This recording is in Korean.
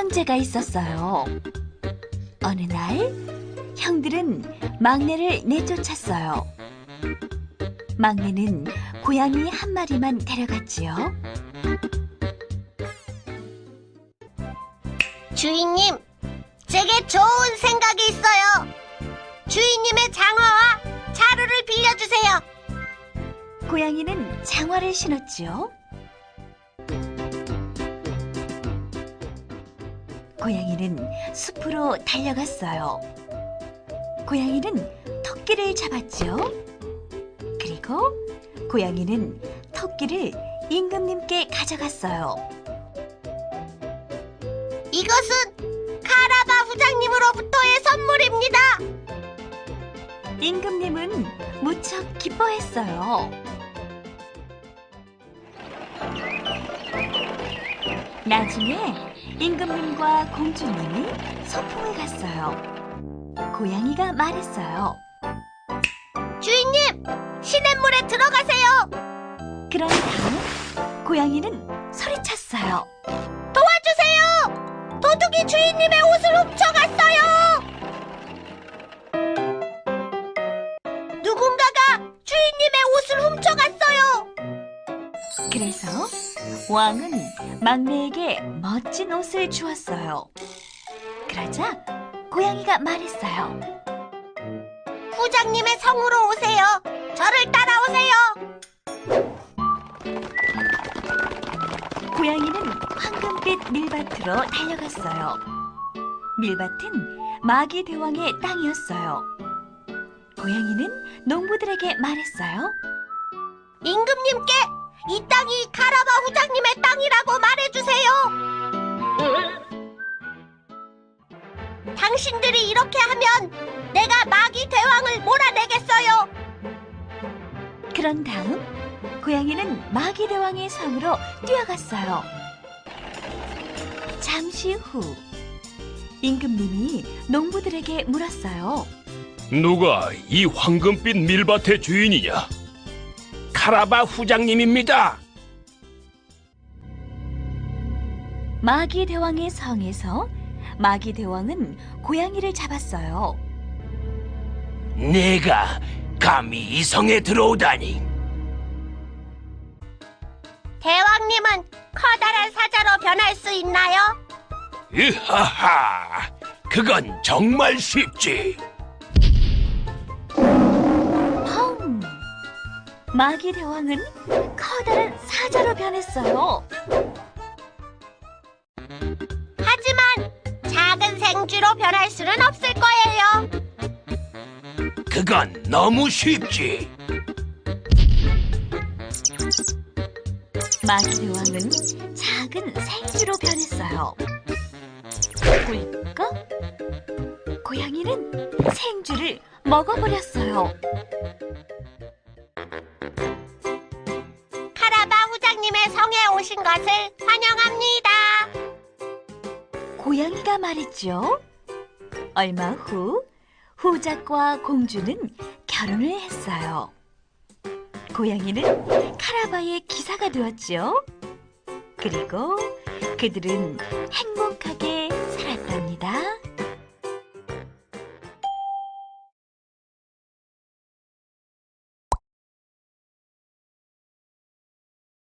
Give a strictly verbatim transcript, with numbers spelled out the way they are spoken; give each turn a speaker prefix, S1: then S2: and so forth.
S1: 형제가 있었어요. 어느 날 형들은 막내를 내쫓았어요. 막내는 고양이 한 마리만 데려갔지요.
S2: 주인님, 제게 좋은 생각이 있어요. 주인님의 장화와 자루를 빌려주세요.
S1: 고양이는 장화를 신었지요. 고양이는 숲으로 달려갔어요. 고양이는 토끼를 잡았지요. 그리고 고양이는 토끼를 임금님께 가져갔어요.
S2: 이것은 카라바 부장님으로부터의 선물입니다.
S1: 임금님은 무척 기뻐했어요. 나중에 임금님과 공주님이 소풍을 갔어요. 고양이가 말했어요.
S2: 주인님, 시냇물에 들어가세요.
S1: 그런 다음 고양이는 소리쳤어요.
S2: 도와주세요! 도둑이 주인님의 옷을 훔쳐갔어요! 누군가가 주인님의 옷을 훔쳐갔어요!
S1: 그래서 왕은 막내에게 멋진 옷을 주었어요. 그러자 고양이가 말했어요.
S2: 부장님의 성으로 오세요. 저를 따라오세요.
S1: 고양이는 황금빛 밀밭으로 달려갔어요. 밀밭은 마기 대왕의 땅이었어요. 고양이는 농부들에게 말했어요.
S2: 임금님께 이 땅이 카라바 후장님의 땅이라고 말해주세요. 당신들이 이렇게 하면 내가 마기 대왕을 몰아내겠어요.
S1: 그런 다음 고양이는 마기 대왕의 성으로 뛰어갔어요. 잠시 후 임금님이 농부들에게 물었어요.
S3: 누가 이 황금빛 밀밭의 주인이냐? 카라바 후장님입니다.
S1: 마기 대왕의 성에서 마기 대왕은 고양이를 잡았어요.
S3: 내가 감히 이 성에 들어오다니.
S2: 대왕님은 커다란 사자로 변할 수 있나요?
S3: 으하하, 그건 정말 쉽지.
S1: 펑! 마기 대왕은 커다란 사자로 변했어요.
S2: 하지만 작은 생쥐로 변할 수는 없을 거예요.
S3: 그건 너무 쉽지.
S1: 마기 대왕은 작은 생쥐로 변했어요. 꿀꺽! 고양이는 생쥐를 먹어버렸어요.
S2: 카라바 후장님의 성에 오신 것을 환영합니다.
S1: 고양이가 말했죠. 얼마 후 후작과 공주는 결혼을 했어요. 고양이는 카라바의 기사가 되었죠. 그리고 그들은 행복